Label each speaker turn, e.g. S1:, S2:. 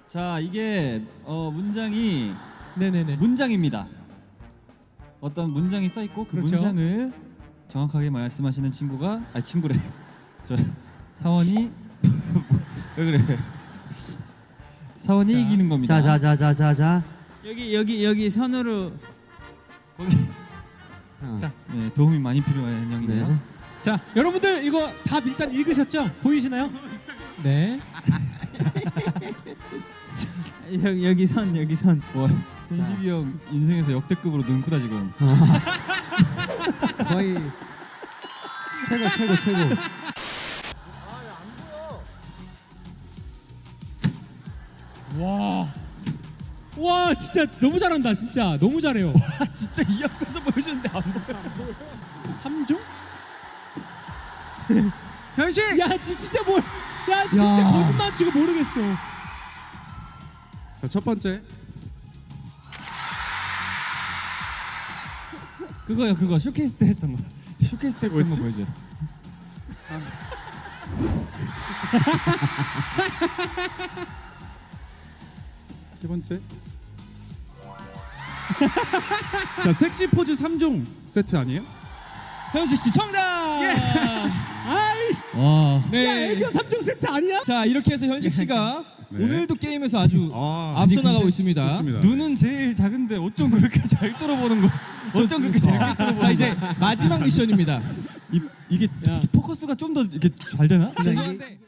S1: 자, 이게 문장이
S2: 네네네.
S1: 문장입니다. 어떤 문장이 써 있고 그
S2: 그렇죠.
S1: 문장을 정확하게 말씀하시는 친구가 친구래. 저 사원이 왜 그래? 사원이
S2: 자.
S1: 이기는 겁니다.
S3: 자자자자자자.
S4: 여기 선으로
S1: 거기
S2: 자,
S1: 네, 도움이 많이 필요한 형이네요.
S3: 네.
S2: 자, 여러분들 이거 다 일단 읽으셨죠? 보이시나요? 네.
S4: 여기 선.
S1: 와, 현식이 형 인생에서 역대급으로 능크다 지금.
S3: 거의 최고.
S2: 와, 진짜 너무 잘한다. 진짜 너무 잘해요.
S1: 진짜 이 앞에서 보여주는데 안 보여.
S2: 3종?
S4: 현실.
S2: 야, 진짜 뭘? 야, 진짜
S3: 야.
S2: 거짓말 치고 모르겠어.
S5: 자, 첫 번째.
S1: 그거 쇼케이스 때 했던 거. 쇼케이스 때 했던 거
S5: 뭐였지?
S1: 보여줘.
S5: 세 번째. 자, 섹시 포즈 3종 세트 아니에요?
S1: 현식 씨 정답.
S2: 아이씨.
S1: 와.
S2: 야, 애교 3종 세트 아니야?
S1: 자, 이렇게 해서 현식 씨가
S5: 네.
S1: 오늘도 게임에서 아주
S5: 아,
S1: 앞서 나가고 있습니다.
S5: 좋습니다.
S1: 눈은 제일 작은데 어쩜 그렇게 잘 뚫어보는 거? 어쩜 그렇게 잘 뚫어보는 거? 자, 이제 마지막 미션입니다. 이게
S2: 야.
S1: 포커스가 좀 더 이렇게 잘 되나?
S3: 근데 이게